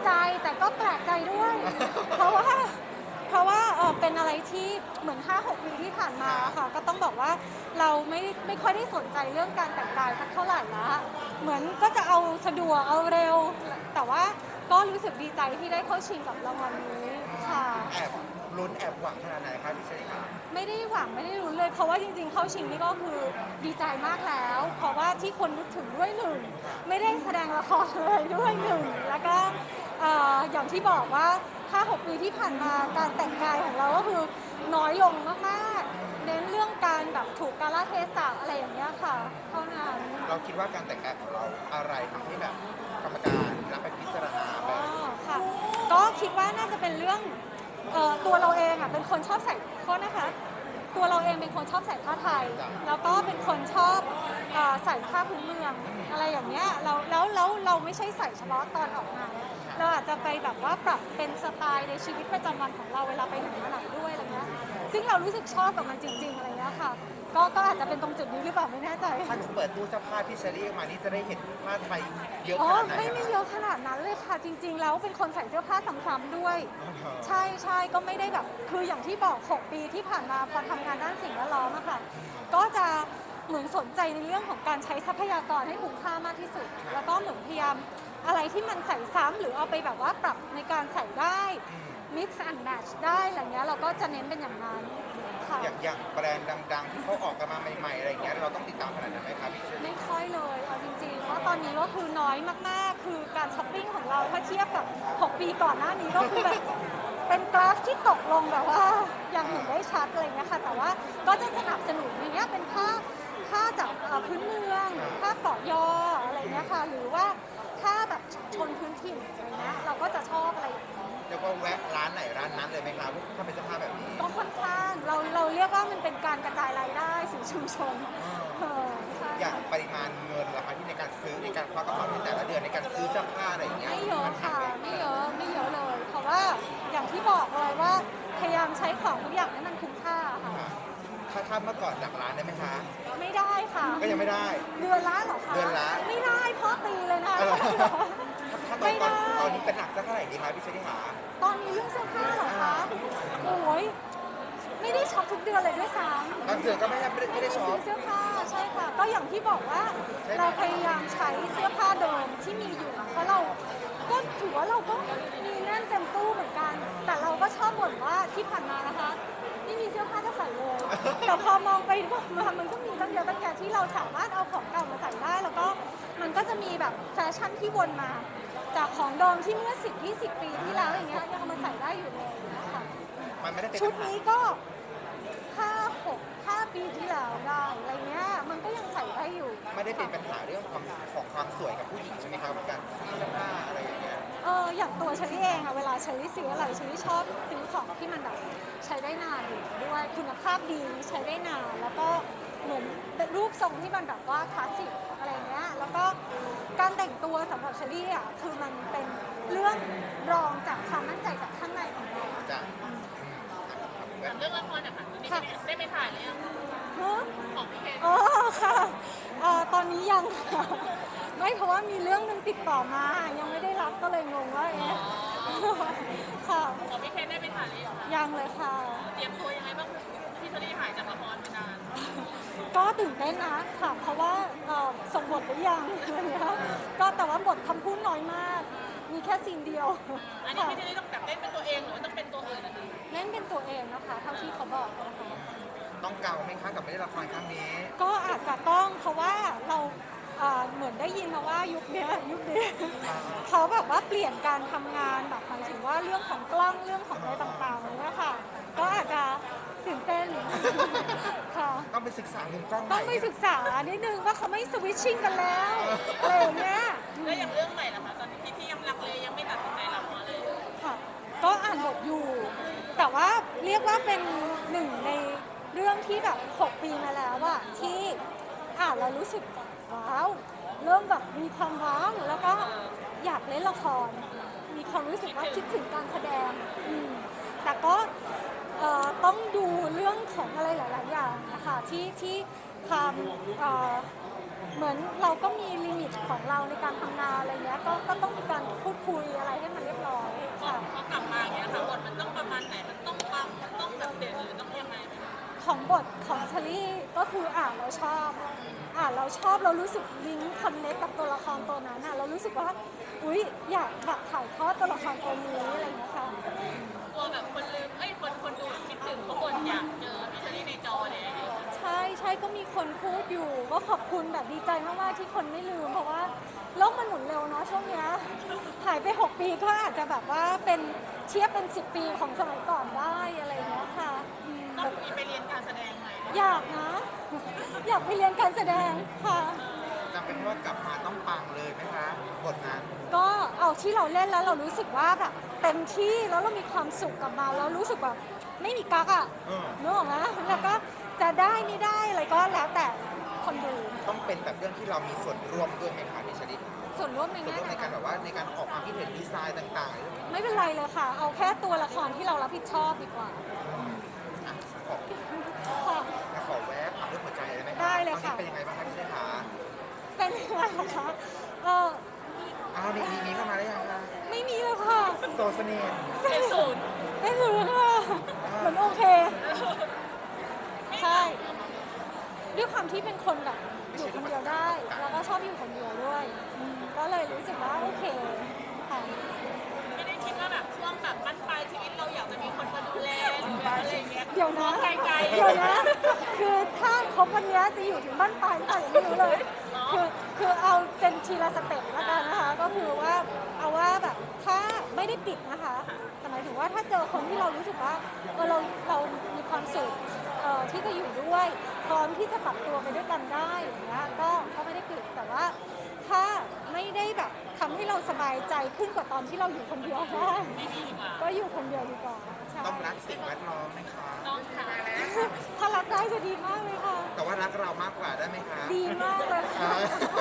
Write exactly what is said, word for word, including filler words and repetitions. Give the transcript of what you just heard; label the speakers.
Speaker 1: ใจแต่ก็แปลกใจด้วย เพราะว่าเพราะว่าเออเป็นอะไรที่เหมือน ห้าหก ปีที่ผ่านมาค่ะก็ต้องบอกว่าเราไม่ไม่ค่อยได้สนใจเรื่องการแต่งกายสักเท่าไหร่ละเหมือนก็จะเอาสะดวกเอาเร็วแต่ว่าก็รู้สึกดีใจที่ได้เข้าชิงกับรางวัลนี้ค่ะ
Speaker 2: แอบลุ้นแอบหวังขนาดไหนครับพี่เชลิครับ
Speaker 1: ไม่ได้หวังไม่ได้รุ้นเลยเพราะว่าจริงๆเข้าชิงนี่ก็คือดีใจมากแล้ว เพราะว่าที่คนนึกถึงด้วยหนึ่งไม่ได้แสดงละครเลยด้วยหนึ่งแล้วก็เอ่ออย่างที่บอกว่า ห้าหก ปีที่ผ่านมาการแต่งกายของเราก็คือน้อยลงมากๆเน้นเรื่องการแบบถูกกาลเทศะอะไรอย่างเงี้ยค่ะเท่านั้น
Speaker 2: เราคิดว่าการแต่งกายของเราอะไรทำให้แบบกรรมการรับไปพิจารณาแบ
Speaker 1: อ๋อ
Speaker 2: บ
Speaker 1: ค่ะก็คิดว่าน่าจะเป็นเรื่องเอ่อตัวเราเองอ่ะเป็นคนชอบใส่โทษนะคะตัวเราเองเป็นคนชอบใส่ผ้าไทยแล้วก็เป็นคนชอบเอ่อใส่ผ้าพื้นเมืองอะไรอย่างเงี้ยเราแล้วแล้วเราไม่ใช่ใส่เฉพาะตอนออกงานเราอาจจะไปแบบว่าปรับเป็นสไตล์ในชีวิตประจำวันของเราเวลาไปไหนมาไหนด้วยอะไรเงี้ยซึ่งเรารู้สึกชอบกับมันจริงๆอะไรเงี้ยค่ะก็ก็อาจจะเป็นตรงจุดนี้หรือเปล่าไม่แน่ใจ
Speaker 2: ถ้าหนูเปิดตู้เสื้อผ้าพี่เชลี่มานี่จะได้เห็นผ้าไทยเยอะ
Speaker 1: อ๋
Speaker 2: ข
Speaker 1: อ
Speaker 2: นาดไหน
Speaker 1: ไม่ไม่เยอะขนาดนั้นเลยค่ะจริงๆแล้วเป็นคนใส่เสื้อผ้าซ้ำๆด้วย ใช่ใช่ก็ไม่ได้แบบคืออย่างที่บอก หก ปีที่ผ่านมาพอทำงานด้านสิ่งแวดล้อมอะค่ะก็จะเหมือนสนใจในเรื่องของการใช้ทรัพยากรให้คุ้มค่ามากที่สุด แล้วก็เหมือนพยายามอะไรที่มันใส่ซ้ำหรือเอาไปแบบว่าปรับในการใส่ได้ mix and match ได้อะไรเงี้ยเราก็จะเน้นเป็นอย่างนั้นค่ะ
Speaker 2: อย่างอย่างแบรนด์ดังๆที่เขาออกกันมาใหม่ๆอะไรอย่างเงี้ยเราต้องติดตามขนาดนั้นไหมครับพี่เชลี่
Speaker 1: ไม่ค่อยเลยเอาจริงๆว่าตอนนี้ก็คือน้อยมากๆ คือการช้อปปิ้งของเราถ้าเทียบกับ หก ปีก่อนหน้านี้ก็คือแบบเป็นกราฟที่ตกลงแบบว่าอย่างเห็นได้ชัดอะไรเงี้ยค่ะ แต่ว่าก็จะสนับสนุนอย่างเงี้ยเป็นผ้าผ้าจากเอ่อพื้นเมืองผ้าเกาะยออะไรเงี้ยค่ะ หรือว่าผ้าแบบชนพื้นถิ่นอะไรเงี้ยเราก็จะชอบอะไรอย่างเงี้ย
Speaker 2: เรียกว่าแวะร้านไหนร้านนั้นเลยไหมครับถ้าเป็นเสื้อผ้าแบบนี้
Speaker 1: ก็ค่อนข้างเราเราเรียกว่ามันเป็นการกระจายรายได้สู่ชุมชนเออใช่
Speaker 2: อย่างปริมาณเงินราคาที่ในการซื้อในการควักกระเป๋าในแต่ละเดือนในการซื้อเสื้อผ้าอะไรอย่างเงี้ย
Speaker 1: ไม่เยอะค่ะไม่เยอะไม่เยอะเลย เพราะว่าอย่างที่บอกเลยว่าพยายามใช้ของทุกอย่างให้มันคุ้มค่าค่ะ
Speaker 2: ถ้าถ้าเมื่อก่อนหลักร้านได้ไหมคะ
Speaker 1: ไม่ได้ค่ะ
Speaker 2: ก็ยังไม่ได้
Speaker 1: เดือนละเหรอคะ
Speaker 2: เดือนละ
Speaker 1: ไม่ได้พ่อตีเลยนะ
Speaker 2: เอาเหรอ ถ้าตอน
Speaker 1: ไม่
Speaker 2: ตอ
Speaker 1: ได้
Speaker 2: นตอนนี้เป็นหนักสักเท่าไหร่ดีคะพี่เชลี่หา
Speaker 1: ตอนนี้เรื่องเสื้อผ้าเหรอคะโอ้ยไม่ได้ช็อปทุกเดือนเลยด้วยซ้ำ
Speaker 2: บางเดือนก็ไม่ได้ไม่ได้ไม่ได้ช็อป
Speaker 1: ซื้อเสื้อผ้าใช่ค่ะก็อย่างที่บอกว่า
Speaker 2: ใช่ไหม
Speaker 1: เราพยายามใช้เสื้อผ้าเดิมที่มีอยู่เพราะเราก็ถือว่าเราก็มีแน่นเต็มตู้เหมือนกัน แต่เราก็ชอบบ่นว่าที่ผ่านมานะคะไม่มีเสื้อผ้าจะใส่เลย แต่พอมองไปมองมามันก็มีตั้งเยอะตั้งแยะที่เราสามารถเอาของเก่ามาใส่ได้ แล้วก็มันก็จะมีแบบแฟชั่นที่วนมา จากของเดิมที่เมื่อสิบ ยี่สิบ ปีที่แล้วอย่างเงี้ยยังเอามาใส่ได้อยู่เลยนะคะ
Speaker 2: มันไม่ได้เป็น
Speaker 1: ชุด
Speaker 2: ปัญหา
Speaker 1: นี้ก็ห้าหกห้าปีที่แล้วได้อะไรเงี้ยมันก็ยังใส่ได้อยู่
Speaker 2: ไม่ได้เป็นปัญหาเรื่องความของความสวยกับผู้หญิงใช่ไหมครับการซื้อเสื้อผ้าอะไรอย่างเงี้ย
Speaker 1: เอออย่างตัวเชลี่เองอะเวลาเชลี่ซื้ออะไรเชลี่ชอบซื้อของที่มันแบบใช้ได้นานอยู่ด้วยคุณภาพดีใช้ได้นานแล้วก็เหมือนเป็นรูปทรงที่มันแบบว่าคลาสสิกอะไรเงี้ยแล้วก็การแต่งตัวสำหรับเชลี่อะคือมันเป็นเรื่องรองจากความมั่นใจจากข้างในของเรา
Speaker 2: จะ
Speaker 3: ถามเรื่องละครนะคะตอนนี้ได้ไปถ่ายหรือยัง
Speaker 1: ฮะ
Speaker 3: ของพี่เคน
Speaker 1: อ๋อค่ะเอ่อตอนนี้ยังค่ะไม่เพราะว่ามีเรื่องหนึงติดต่อมา ยังไม่ได้รับก็เลยงงว่าเอ๊ะค่ะ
Speaker 3: ของพี่เคนได้ไปถ่ายหรือยังคะ
Speaker 1: ยังเลยค่ะ
Speaker 3: เตรียมตัวยังไงบ้างพี่เชอรี่หายจากละครไปนาน
Speaker 1: ก็ตื่นเต้นนะค่ะ เพราะว่าเอ่อส่งบทหรือยังอะไรเงี้ยก็แต่ว่าบทคำพูดน้อยมาก มีแค่ซีนเดียว
Speaker 3: อันนี้
Speaker 1: ค่ะ
Speaker 3: พี่เชอรี่ต้องแบบเล่นเป็นตัวเองหรือว่าต้องเป็นตัวอื่นนะคะ
Speaker 1: เล่นเป็นตัวเองนะคะ เท่าที่เขาบอกนะคะ
Speaker 2: ต้องเก่าไหมคะกับไม่ได้ละครครั้งนี้
Speaker 1: ก็อาจจะต้องเพราะว่าเราเอ่อเหมือนได้ยินมาว่ายุคเนี้ยยุคนี้เขาแบบว่าเปลี่ยนการทำงานแบบหมายถึงว่าเรื่องของกล้องเรื่องของอะไรต่างๆเลยนะคะก็อาจจะตื่นเต้นค่ะ
Speaker 2: ต้องไปศึกษามุมกล้องให
Speaker 1: ต้อ
Speaker 2: ม่
Speaker 1: งไปศึกษานิดนึงว่าเขาไม่สวิตชิ่งกันแล้วอะไรอย่างเงี้ย
Speaker 3: แล้วอย่างเรื่องใหม่ล่ะคะตอนนี้ที่ที่ยังลังเลยังไม่ตัดสินใจรับเพราะอะไร
Speaker 1: ค่ะก็อ่านบทอยู่ แต่ว่าเรียกว่าเป็นหนึ่งในเรื่องที่แบบหกปีมาแล้วอะที่อ่านแล้วรู้สึกว้าวเริ่มแบบมีความว้าวแล้วก็อยากเล่นละคร มีความรู้สึกว่าคิดถึงการแสดงอืมแต่ก็เอ่อต้องดูเรื่องของอะไรหลาย ๆ อย่างนะคะที่ที่ความเอ่อเหมือนเราก็มีลิมิตของเราในการทำงานอะไรเงี้ยก็ก็ต้องมีการพูดคุยอะไรให้มันเรียบร้อยค่ะ
Speaker 3: พอกลับมาอย่างเงี้ยค่ะบทมันต้องประมาณไหนมันต้องปังมันต้องแบบเด่นหรือต้องยังไงไหมคะ
Speaker 1: ของบทของเชลี่ก็คืออ่านเราชอบอ่านเราชอบเรารู้สึกลิงก์คอนเนคกับตัวละครตัวนั้นอ่ะเรารู้สึกว่าอุ๊ยอยากแบบถ่ายทอดตัวละครตัวนี้อะไรอย่างเงี้ยค่ะ
Speaker 3: กลัวแบบคนลืมเอ้ยคนคนดูคิดถึงทุกคนอยากเจอพี่เชอรี่ในจอเลย
Speaker 1: ใช่ใช่ก็มีคนพูดอยู่ก็ขอบคุณแบบดีใจมากๆที่คนไม่ลืมเพราะว่าโลกมันหมุนเร็วเนาะช่วงเนี้ยหายไปหกปีก็อาจจะแบบว่าเป็นเทียบเป็นสิบปีของสมัยก่อนได้อะไรอย่างเงี้ยค่ะอืม
Speaker 3: ต้องมีไปเรียนการแสดงไหม
Speaker 1: อยากนะ อยากไปเรียนการแสดงค่ะ
Speaker 2: จำเป็นว่ากลับมาต้องปังเลยไหมคะบทนั้น
Speaker 1: ก็เอาที่เราเล่นแล้วเรารู้สึกว่าแบบเต็มที่แล้วเรามีความสุขกับมันแล้วรู้สึกแบบไม่มีกักอ่ะ
Speaker 2: เออ
Speaker 1: นึกออกไหมแล้วก็จะได้ไม่ได้อะไรก็แล้วแต่คนดู
Speaker 2: ต้องเป็นแบบเรื่องที่เรามีส่วนร่วมด้วยไหมคะนิชลิต
Speaker 1: ส่วนร่วมใน
Speaker 2: ส่วน
Speaker 1: แง่
Speaker 2: ร่วม
Speaker 1: ไหน
Speaker 2: ในการแบบว่าในการออกความคิดเห็นดีไซน์ต่างๆหรือ
Speaker 1: ไม่เป็นไรเลยค่ะ เอาแค่ตัวละครที่เรารับผิดชอบดีกว่า
Speaker 2: อ่ะขอ
Speaker 1: ค่ะ
Speaker 2: ขอแวะถามเรื่องหัวใจเลยไหมคะ
Speaker 1: ได้เลย
Speaker 2: ตอน
Speaker 1: ค่ะ
Speaker 2: นี้เป็นยังไงบ้างคะพี่เชษฐา
Speaker 1: เป็นยังไงคะเออ
Speaker 2: อ้าวมีมีมีเข้ามาได้ยังคะ
Speaker 1: ไม่มีเลยค่ะ
Speaker 2: โซเสเน่ห์
Speaker 3: เป็นศูนย์
Speaker 1: ไม่รู้ค่ะเหมือนโอเค ใช่ ด้วยความที่เป็นคนแบบอยู่คนเดียวได้ แล้วก็ชอบอยู่คนเดียวด้วยอืมก็เลยรู้สึกว่าโอเคค่ะ
Speaker 3: ไม่ได้คิดว่าแบบช่วงแบบบั้นปลายชีวิตเราอยากจะมีคนมาดูแลหรือแบบอะไรอย่างเงี้ย
Speaker 1: เดี๋ยวนะ
Speaker 3: ไกลๆ
Speaker 1: เดี๋ยวนะ คือถ้าครบวันเนี้ยจะอยู่ถึงบ้านปลายหรือเปล่ายังไม่รู้เลย คือคือเอาเป็นทีละสเต็ปแล้วกันนะคะ ก็คือว่าเอาว่าแบบถ้าไม่ได้ปิดนะคะ แต่หมายถึงว่าถ้าเจอคนที่เรารู้สึกว่าเออเราเรามีความสุขเอ่อที่จะอยู่ด้วยพร้อมที่จะปรับตัวไปด้วยกันได้อย่างเงี้ยก็ก็ไม่ได้ปิดแต่ว่าถ้าไม่ได้แบบทำให้เราสบายใจขึ้นกว่าตอนที่เราอยู่คนเดียวได้
Speaker 3: ไม่มีดีกว่า
Speaker 1: ก็อยู่คนเดียวดีกว่าใช่
Speaker 2: ต้องรักสิ่งแวดล้อมไหมคะ
Speaker 3: น้องค่ะ
Speaker 1: ถ้ารักได้จะดีมากเลยค่ะ
Speaker 2: แต่ว่ารักเรามากกว่าได้ไหมคะ
Speaker 1: ดีมากเลยค่ะ
Speaker 2: อ่า